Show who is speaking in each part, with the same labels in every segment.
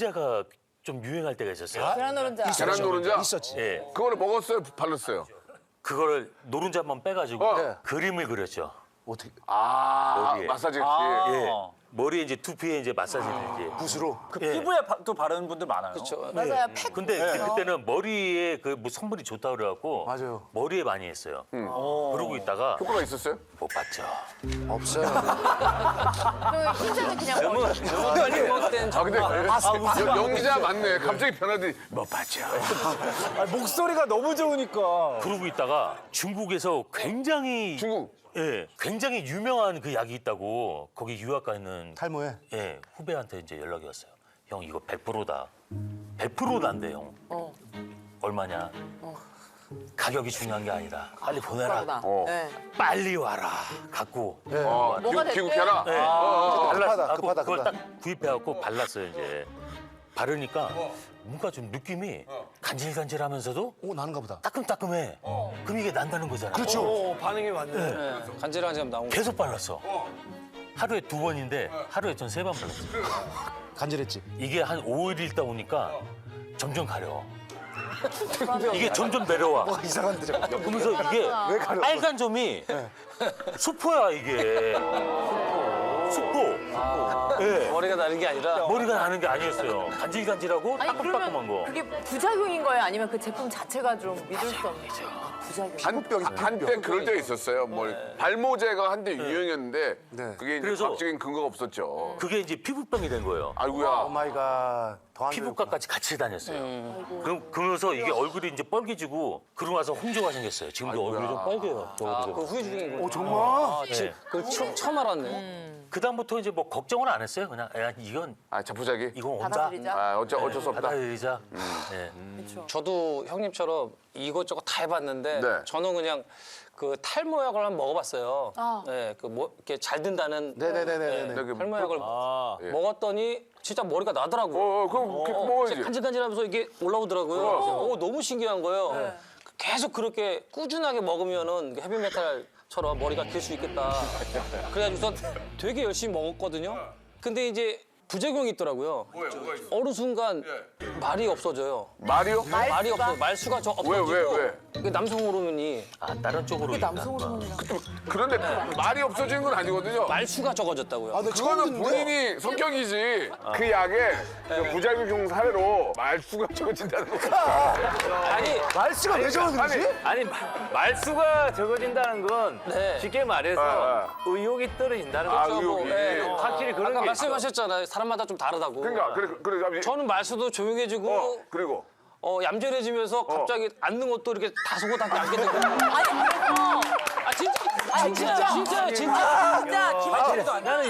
Speaker 1: 노른자가 좀 유행할 때가 있었어요.
Speaker 2: 계란 노른자.
Speaker 3: 계란 노른자?
Speaker 4: 있었지.
Speaker 1: 예.
Speaker 3: 그거를 먹었어요? 발랐어요?
Speaker 1: 그거를 노른자 한번 빼가지고
Speaker 3: 네.
Speaker 1: 그림을 그렸죠.
Speaker 4: 어떻게?
Speaker 1: 머리에.
Speaker 3: 마사지 기
Speaker 1: 예. 머리에 이제 두피에 이제 마사지를 이제.
Speaker 4: 붓으로.
Speaker 5: 그
Speaker 1: 예.
Speaker 5: 피부에 또 바르는 분들 많아요.
Speaker 2: 맞아요. 팩.
Speaker 1: 근데 그때는 머리에 그 뭐 성분이 좋다 그래갖고
Speaker 4: 맞아요.
Speaker 1: 머리에 많이 했어요. 그러고 있다가
Speaker 3: 효과가 있었어요?
Speaker 1: 못 봤죠.
Speaker 4: 없어요.
Speaker 2: 그 흰자는 그냥
Speaker 5: 너무 빨리 먹된
Speaker 3: 아, 근데 연기자 맞네. 갑자기 변하더니 못 봤죠.
Speaker 5: 목소리가 너무 좋으니까.
Speaker 1: 그러고 있다가 중국에서 굉장히
Speaker 3: 중국.
Speaker 1: 예, 굉장히 유명한 그 약이 있다고 거기 유학 가 있는
Speaker 4: 탈모에.
Speaker 1: 예, 후배한테 이제 연락이 왔어요. 형 이거 100%다. 100%난데 형. 얼마냐? 가격이 중요한 게 아니다. 빨리 보내라.
Speaker 2: 네.
Speaker 1: 빨리 와라. 갖고.
Speaker 2: 뭐가 됐든.
Speaker 3: 귀국해라.
Speaker 1: 예.
Speaker 4: 급하다, 급하다,
Speaker 1: 그걸
Speaker 4: 급하다.
Speaker 1: 딱 구입해갖고 발랐어요 이제. 바르니까 뭔가 좀 느낌이 간질간질하면서도
Speaker 4: 나는가 보다.
Speaker 1: 따끔따끔해. 그럼 이게 난다는 거잖아.
Speaker 4: 그렇죠.
Speaker 5: 반응이 맞네. 간질간질 나온 거.
Speaker 1: 계속 발랐어. 하루에 2번인데 하루에 전 3번 발랐어.
Speaker 4: 간절했지.
Speaker 1: 이게 한 5일 있다 보니까 점점 가려. 이게 점점 내려와.
Speaker 4: 이상한 데죠.
Speaker 1: 그러면서 이게
Speaker 4: 왜 가려?
Speaker 1: 빨간 점이 수포야 이게. 수포. 예.
Speaker 5: 머리가 나는 게 아니라.
Speaker 1: 머리가 나는 게 아니었어요. 간질간질하고
Speaker 2: 아니
Speaker 1: 따끔따끔한
Speaker 2: 그러면
Speaker 1: 거.
Speaker 2: 그게 부작용인 거예요? 아니면 그 제품 자체가 좀 믿을 수 없는? 부작용.
Speaker 3: 한때 그럴 때가 있었어요. 뭐 발모제가 한때 유행이었는데
Speaker 4: 네.
Speaker 3: 그게 이제
Speaker 1: 그래서-
Speaker 3: 과학적인 근거가 없었죠.
Speaker 1: 그게 이제 피부병이 된 거예요.
Speaker 3: 아이고야.
Speaker 4: 오 마이 갓. 더안
Speaker 1: 피부과까지 같이 다녔어요. 그러면서 이게 얼굴이 이제 뻘개지고 그러고 나서 홍조가 생겼어요. 지금도 얼굴이 좀 빨개요.
Speaker 5: 그 후유 중인 거.
Speaker 4: 정말?
Speaker 5: 그 처음 알았네.
Speaker 1: 그 다음부터 이제 뭐 걱정을 안 했어요. 그냥 야, 이건
Speaker 3: 자포자기.
Speaker 1: 이건 온다.
Speaker 2: 받아들이자.
Speaker 3: 어쩔 수 없다.
Speaker 1: 받아들이자. 네.
Speaker 2: 그렇죠.
Speaker 5: 저도 형님처럼 이것저것 다 해봤는데
Speaker 3: 네.
Speaker 5: 저는 그냥 그 탈모약을 한번 먹어봤어요.
Speaker 2: 아.
Speaker 5: 네, 그 뭐 이렇게 잘 든다는
Speaker 4: 네네네네네.
Speaker 3: 네, 그
Speaker 5: 탈모약을
Speaker 3: 예.
Speaker 5: 먹었더니 진짜 머리가 나더라고요.
Speaker 3: 그럼 먹어야지.
Speaker 5: 진짜 간질간질하면서 이게 올라오더라고요. 너무 신기한 거예요. 계속 그렇게 꾸준하게 먹으면은 헤비메탈처럼 머리가 길 수 있겠다. 그래가지고서 되게 열심히 먹었거든요. 근데 이제 부작용이 있더라고요. 어느 순간 말이 없어져요.
Speaker 3: 말이요?
Speaker 5: 말이 없어. 말수가 없어지고.
Speaker 3: 왜?
Speaker 5: 그 남성 호르몬이
Speaker 1: 아 다른 쪽으로.
Speaker 2: 남성 호르몬이라.
Speaker 3: 그런데 말이 없어지는 건 아니거든요.
Speaker 5: 말수가 적어졌다고요.
Speaker 4: 아, 나 처음
Speaker 3: 그거는
Speaker 4: 듣는데.
Speaker 3: 본인이 성격이지. 그 약에 그 부작용 사례로 말수가 적어진다는 거.
Speaker 5: 아니,
Speaker 4: 말수가 왜 저러는지?
Speaker 6: 아니 말수가 적어진다는 건
Speaker 5: 네.
Speaker 6: 쉽게 말해서 의욕이 떨어진다는 거죠.
Speaker 3: 의욕이.
Speaker 5: 네.
Speaker 6: 확실히 그런
Speaker 5: 아까
Speaker 6: 게 있어.
Speaker 5: 말씀하셨잖아요. 사람마다 좀 다르다고.
Speaker 3: 그러니까 그래.
Speaker 5: 저는 말수도 조용해지고
Speaker 3: 그리고
Speaker 5: 얌전해지면서 갑자기 앉는 것도 이렇게 다소곳하게 앉게 되고.
Speaker 2: 아니 그래서
Speaker 5: 진짜.
Speaker 2: 진짜 김혜철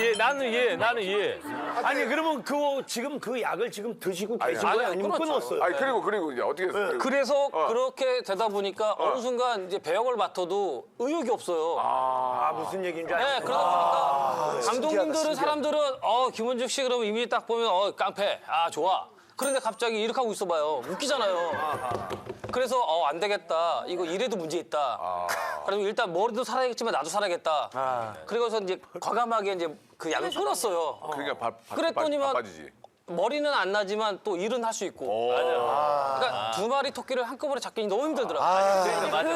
Speaker 6: 나는 이해. 아니 그러면 지금 그 약을 지금 드시고 계신 거예요? 아니면
Speaker 5: 끊었죠.
Speaker 6: 끊었어요?
Speaker 3: 그리고 이제 어떻게 했어요?
Speaker 5: 그래서 그렇게 되다 보니까 어느 순간 이제 배역을 맡아도 의욕이 없어요.
Speaker 6: 아 무슨 얘기인지
Speaker 5: 네,
Speaker 6: 알겠어요.
Speaker 5: 그러다 보니까 감독님들은
Speaker 4: 신기하다.
Speaker 5: 사람들은 김원중 씨 그러면 이미지 딱 보면 깡패, 좋아. 그런데 갑자기 이렇게 하고 있어봐요. 웃기잖아요. 그래서 안 되겠다. 이거 이래도 문제 있다. 그래서 일단 머리도 살아야겠지만 나도 살아야겠다. 그래서 이제 과감하게 이제 그 약을 끊었어요.
Speaker 3: 그러니까
Speaker 5: 그랬더니만
Speaker 3: 바빠지지.
Speaker 5: 머리는 안 나지만 또 일은 할 수 있고. 그러니까 두 마리 토끼를 한꺼번에 잡기 너무 힘들더라고요.
Speaker 6: 맞아.